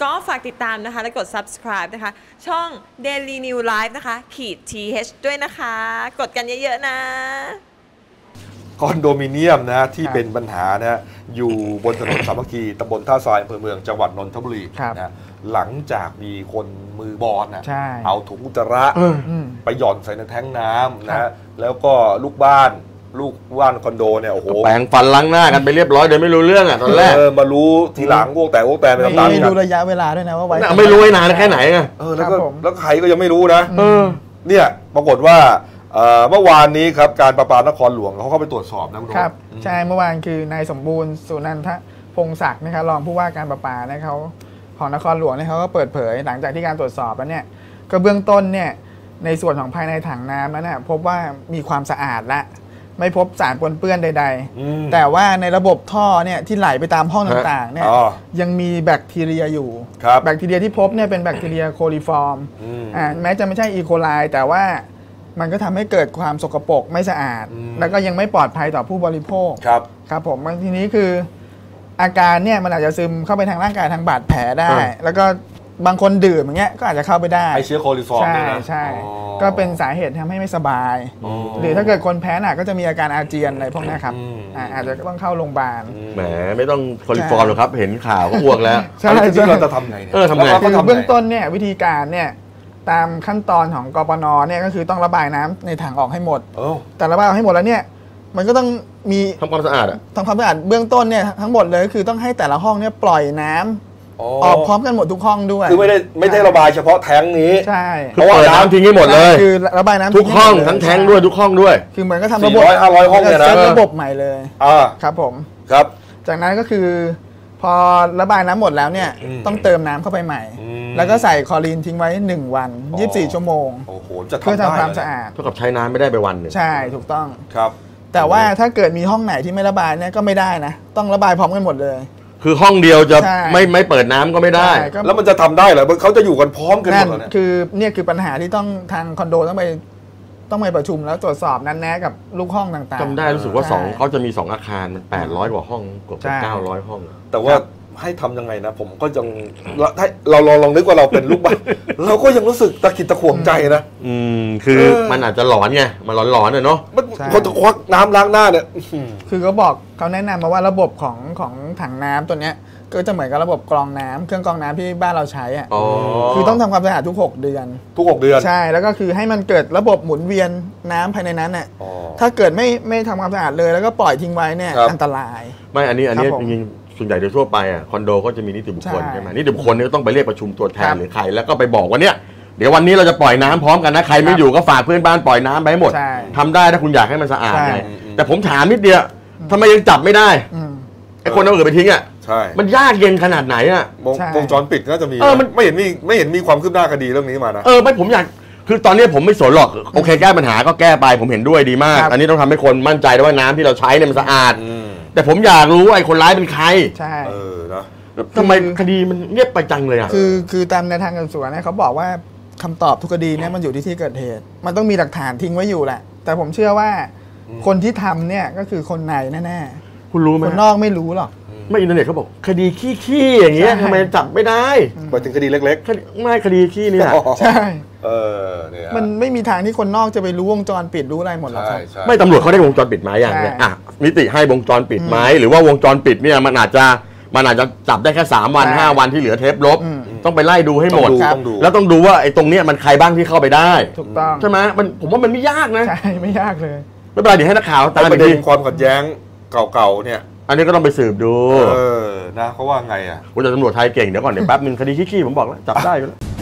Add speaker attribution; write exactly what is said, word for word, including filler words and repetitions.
Speaker 1: ก็ฝากติดตามนะคะและกด ซับสไครบ์ นะคะช่อง Daily New Life นะคะขีด ที เอช ด้วยนะคะกดกันเยอะๆนะ
Speaker 2: คอนโดมิเนียมนะที่เป็นปัญหานะอยู่บนถนนสามัคคีตำบลท่าทรายอำเภอเมืองจังหวัดนนทบุรีนะหลังจากมีคนมือบอลนะเอาถุงอุจจาระไปหย่อนใส่ในแท้งน้ำนะแล้วก็ลูกบ้านลูกบ้านคอนโดเนี่ยโอ้โห
Speaker 3: แปรงฟันล้างหน้ากันไปเรียบร้อยโดยไม่รู้เรื่องอ่ะตอนแรก
Speaker 2: มารู้ทีหลังพวกแต่พวกแต่ไปตามๆกัน
Speaker 4: ไม่รู้ระยะเวลาด้วยนะว่าไว้
Speaker 3: ไม่รู้ไว้นานแค่ไหนไง
Speaker 2: เออแล้วก็แล้วใครก็ยังไม่รู้นะเนี่ยปรากฏว่าเมื่อวานนี้ครับการประปานครหลวงเขาเข้าไปตรวจสอบนะคุณ
Speaker 4: ครับใช่เมื่อวานคือนายสมบูรณ์สุนันทพงศักดิ์นะครับรองผู้ว่าการประปาเนี่ยเขาของนครหลวงเนี่ยเขาก็เปิดเผยหลังจากที่การตรวจสอบแล้วเนี่ยก็เบื้องต้นเนี่ยในส่วนของภายในถังน้ำนั้นนะพบว่ามีความสะอาดและไม่พบสารปนเปื้อนใดๆแต่ว่าในระบบท่อเนี่ยที่ไหลไปตามห้องต่างๆเนี่ยยังมีแบคทีเรียอยู่แบคทีเรียที่พบเนี่ยเป็นแบคทีเรียโคลิฟอร์มอ่าแม้จะไม่ใช่อีโคไลแต่ว่ามันก็ทำให้เกิดความสกปรกไม่สะอาดแล้วก็ยังไม่ปลอดภัยต่อผู้บริโภคครับครับผมทีนี้คืออาการเนี่ยมันอาจจะซึมเข้าไปทางร่างกายทางบาดแผลได้แล้วก็บางคนดื่มอย่างเงี้ยก็อาจจะเข้าไปได้
Speaker 2: ไอเชื้อโคลิฟอร์ม
Speaker 4: ใช่ใช่ก็เป็นสาเหตุทำให้ไม่สบายหรือถ้าเกิดคนแพ้หนักก็จะมีอาการอาเจียนอะไรพวกนี้ครับอาจจะต้องเข้าโรงพยาบาล
Speaker 3: แหมไม่ต้องโคลิฟอร์มหรอกครับเห็นข่าวก็อ้วกแล้ว
Speaker 4: ใช่
Speaker 2: ที่เราจะทำไงเนี่ย
Speaker 3: เออทำไง
Speaker 4: เบื้องต้นเนี่ยวิธีการเนี่ยตามขั้นตอนของกปนเนี่ยก็คือต้องระบายน้ำในถังออกให้หมดแต่ระบายออกให้หมดแล้วเนี่ยมันก็ต้องมี
Speaker 3: ทำความสะอาดอะ
Speaker 4: ทำความสะอาดเบื้องต้นเนี่ยทั้งหมดเลยคือต้องให้แต่ละห้องเนี่ยปล่อยน้ำออกพร้อมกันหมดทุกห้องด้วย
Speaker 2: คือไม่ได้ไม่ได้ระบายเฉพาะแท้งนี้
Speaker 4: ใช่
Speaker 3: เพราะว่าน้ำทิ้งให้หมดเลย
Speaker 4: คือระบายน้ำ
Speaker 3: ทุกห้องทั้งแท้งด้วยทุกห้องด้วย
Speaker 4: คือเหมือนก็ทำระบบ
Speaker 2: สี่ร้อยห้าร้อยห้องเนี่ยนะ
Speaker 4: ระบบใหม่เลยครับผม
Speaker 2: ครับ
Speaker 4: จากนั้นก็คือพอระบายน้ำหมดแล้วเนี่ยต้องเติมน้ำเข้าไปใหม่แล้วก็ใส่คลอรีนทิ้งไว้หนึ่งวันยี่สิบสี่ชั่วโมงเพื่อทำความสะอาด
Speaker 3: เท่ากับใช้น้ำไม่ได้ไปวันนึง
Speaker 4: ใช่ถูกต้อง
Speaker 2: ครับ
Speaker 4: แต่ว่าถ้าเกิดมีห้องไหนที่ไม่ระบายเนี่ยก็ไม่ได้นะต้องระบายพร้อมกันหมดเลย
Speaker 3: คือห้องเดียวจะไม่ไม่เปิดน้ำก็ไม่ได้
Speaker 2: แล้วมันจะทำได้เหรอเขาจะอยู่กันพร้อมกันหมดเลย
Speaker 4: คือเนี่ยคือปัญหาที่ต้องทางคอนโดต้องไปต้องไปประชุมแล้วตรวจสอบนั้นแนะกับลูกห้องต่างๆ
Speaker 3: จำได้รู้สึกว่าสองเขาจะมีสองอาคารมันแปดร้อยกว่าห้องเกือบเก้าร้อยห้อง
Speaker 2: แต่ว่าให้ทำยังไงนะผมก็ยังเราลองลองนึกว่าเราเป็นลูกบ้านเราก็ยังรู้สึกตะขิดตะขวงใจนะ
Speaker 3: อืมคือมันอาจจะหลอนไงมันหลอนๆเลยเนาะ
Speaker 2: มันคนจะควักน้ำล้างหน้าเนี่ย
Speaker 4: คือเขาบอกเขาแนะนำมาว่าระบบของของถังน้ำตัวเนี้ยก็จะเหมือนกับระบบกรองน้ำเครื่องกรองน้ำที่บ้านเราใช้อ่ะคือต้องทำความสะอาดทุกหกเดือน
Speaker 2: ทุกหกเดือน
Speaker 4: ใช่แล้วก็คือให้มันเกิดระบบหมุนเวียนน้ำภายในนั้นน่ะถ้าเกิดไม่ไม่ทำความสะอาดเลยแล้วก็ปล่อยทิ้งไว้เนี่ยอันตราย
Speaker 3: ไม่อันนี้อันนี้จริงๆส่วนใหญ่โดยทั่วไปอ่ะคอนโดก็จะมีนิติบุคคลใช่ไหมนิติบุคคลนี่ต้องไปเรียกประชุมตัวแทนหรือใครแล้วก็ไปบอกว่าเนี่ยเดี๋ยววันนี้เราจะปล่อยน้ำพร้อมกันนะใครไม่อยู่ก็ฝากเพื่อนบ้านปล่อยน้ำไปให้หมดทำได้ถ้าคุณอยากให้มันสะอาดไงแต่ผมถามนิดเดียวทำไมยังจับไม่ได้ไอ้คนเอาอื่นไปทิ้งอ่ะ
Speaker 2: ใช่
Speaker 3: มันยากเย็นขนาดไหนอ่ะ
Speaker 2: วงจรปิดน่าจะมีเออมันไม่เห็นมีไม่เห็นมีความคืบหน้าคดีเรื่องนี้มานะ
Speaker 3: เออไม่ผมอยากคือตอนนี้ผมไม่สนหรอกโอเคแก้ปัญหาก็แก้ไปผมเห็นด้วยดีมากอันนี้ต้องทำให้คนมั่นใจว่าน้ำที่เราใช้เนี่ยมันสะอาดแต่ผมอยากรู้ว่าไอ้คนร้ายเป็นใคร
Speaker 4: ใช่
Speaker 2: เออนะ
Speaker 3: ทำไมคดีมันเงียบไปจังเลยอ่ะ
Speaker 4: คือคือตามในทางการสืบสวนเนี่ยเขาบอกว่าคำตอบทุกคดีเนี่ยมันอยู่ที่ที่เกิดเหตุมันต้องมีหลักฐานทิ้งไว้อยู่แหละแต่ผมเชื่อว่าคนที่ทำเนี่ยก็คือคนในแน่
Speaker 3: ๆคุณรู้ไหม
Speaker 4: คนนอกไม่รู้หรอก
Speaker 3: ไม่อินเทอร์เน็ตเขาบอกคดีขี้ๆอย่างเงี้ยทำไมจับไม่ได้
Speaker 2: ไปถึงคดีเล็ก
Speaker 3: ๆไม่คดีขี้นี่แหละ
Speaker 4: ใช่
Speaker 2: เออเนี่ย
Speaker 4: มันไม่มีทางที่คนนอกจะไปรู้วงจรปิดรู้อะไรหมดหรอกครับ
Speaker 3: ไม่ตำรวจเขาได้วงจรปิดไหมอย่างเนี้ยอ่ะนิติให้วงจรปิดไหมหรือว่าวงจรปิดเนี่ยมันอาจจะมันอาจจะจับได้แค่สามวันห้าวันที่เหลือเทปลบต้องไปไล่ดูให้หมดแล้วต้องดูว่าไอ้ตรงเนี้ยมันใครบ้างที่เข้าไปได้
Speaker 4: ถูกต้อง
Speaker 3: ใช่ไหมมันผมว่ามันไม่ยากนะ
Speaker 4: ใช่ไม่ยากเลย
Speaker 3: ไม่เป็นไรเดี๋ยวให้นักข่าวตาม
Speaker 2: ไปดูความขัดแย้งเก่าๆเนี่ย
Speaker 3: อันนี้ก็ต้องไปสืบดู
Speaker 2: เออนะเขาว่าไงอ่ะ
Speaker 3: ว่าจะตำรวจไทยเก่งเดี๋ยวก่อนเดี๋ยวแป๊บนึงคดีขี้ๆผมบอกแล้วจับได้อยู่แล้ว